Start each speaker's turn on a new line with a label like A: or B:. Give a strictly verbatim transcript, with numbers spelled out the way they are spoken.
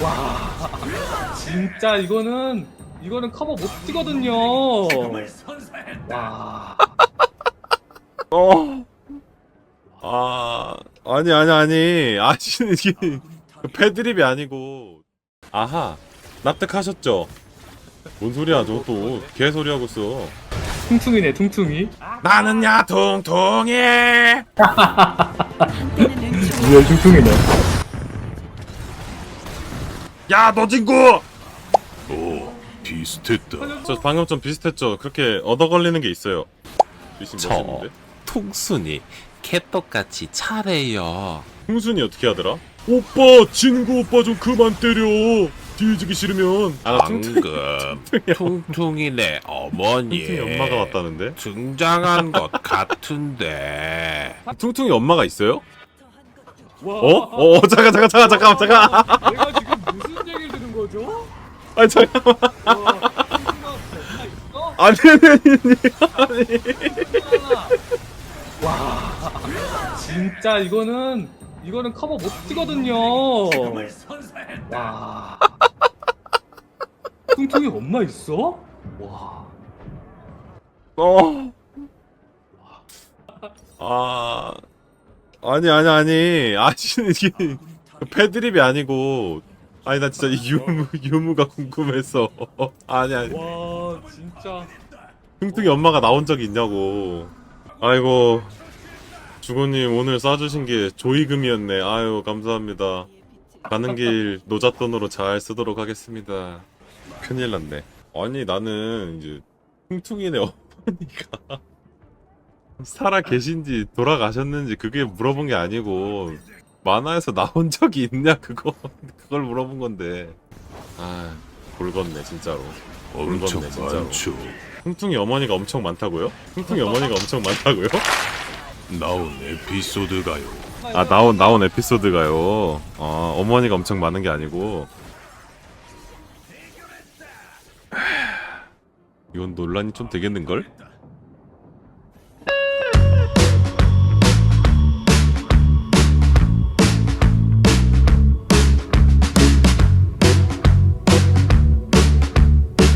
A: 와, 진짜 이거는 이거는 커버 못 뛰거든요. 와,
B: 어. 아, 아니 아니 아니. 아시는 이게 패드립이 아니고. 아하. 납득하셨죠? 뭔 소리야, 저 또 개소리 하고 있어.
A: 퉁퉁이네, 퉁퉁이.
B: 나는야 통통해.
A: 리얼 퉁퉁이네.
B: 야, 너 친구.
C: 오, 비슷했다.
B: 저 방금 좀 비슷했죠. 그렇게 얻어 걸리는 게 있어요. 미신
D: 저
B: 멋있는데.
D: 퉁순이 개떡같이 차래요.
B: 풍순이 어떻게 하더라? 오빠, 친구 오빠 좀 그만 때려. 뒤지기 싫으면. 아, 나 퉁퉁이.
D: 방금 퉁퉁이네 어머니
B: 퉁퉁이 엄마가 왔다는데.
D: 등장한 것 같은데.
B: 퉁퉁이 엄마가 있어요?
A: 와,
B: 어? 어, 잠깐 잠깐 잠깐 잠깐 잠깐.
A: 내가 지금 무슨 얘기를 들은 거죠?
B: 아니 잠깐만.
A: 와, 퉁퉁이가 엄마 있어?
B: 아니 아니 아니.
A: 와, 진짜 이거는 이거는 커버 못 뛰거든요. 와, 퉁퉁이 엄마 있어? 와,
B: 어. 아. 아니 아니 아니. 아시는 이게 패드립이 아니고. 아니 나 진짜 이 유무 유무가 궁금해서. 아니 아니.
A: 와, 진짜.
B: 퉁퉁이 엄마가 나온 적이 있냐고. 아이고. 주고님 오늘 쏴주신 게 조이금이었네. 아유 감사합니다. 가는 길 노잣돈으로 잘 쓰도록 하겠습니다. 큰일 났네. 아니 나는 이제 퉁퉁이네 어머니가 살아 계신지 돌아가셨는지 그게 물어본 게 아니고 만화에서 나온 적이 있냐 그거 그걸 물어본 건데. 아 골건네 진짜로.
C: 엄청
B: 굵었네, 진짜로.
C: 많죠.
B: 퉁퉁이 어머니가 엄청 많다고요? 퉁퉁이 어머니가 엄청 많다고요?
C: 나온 에피소드가요.
B: 아 나온 나온 에피소드가요. 아 어머니가 엄청 많은 게 아니고. 이건 논란이 좀 되겠는 걸?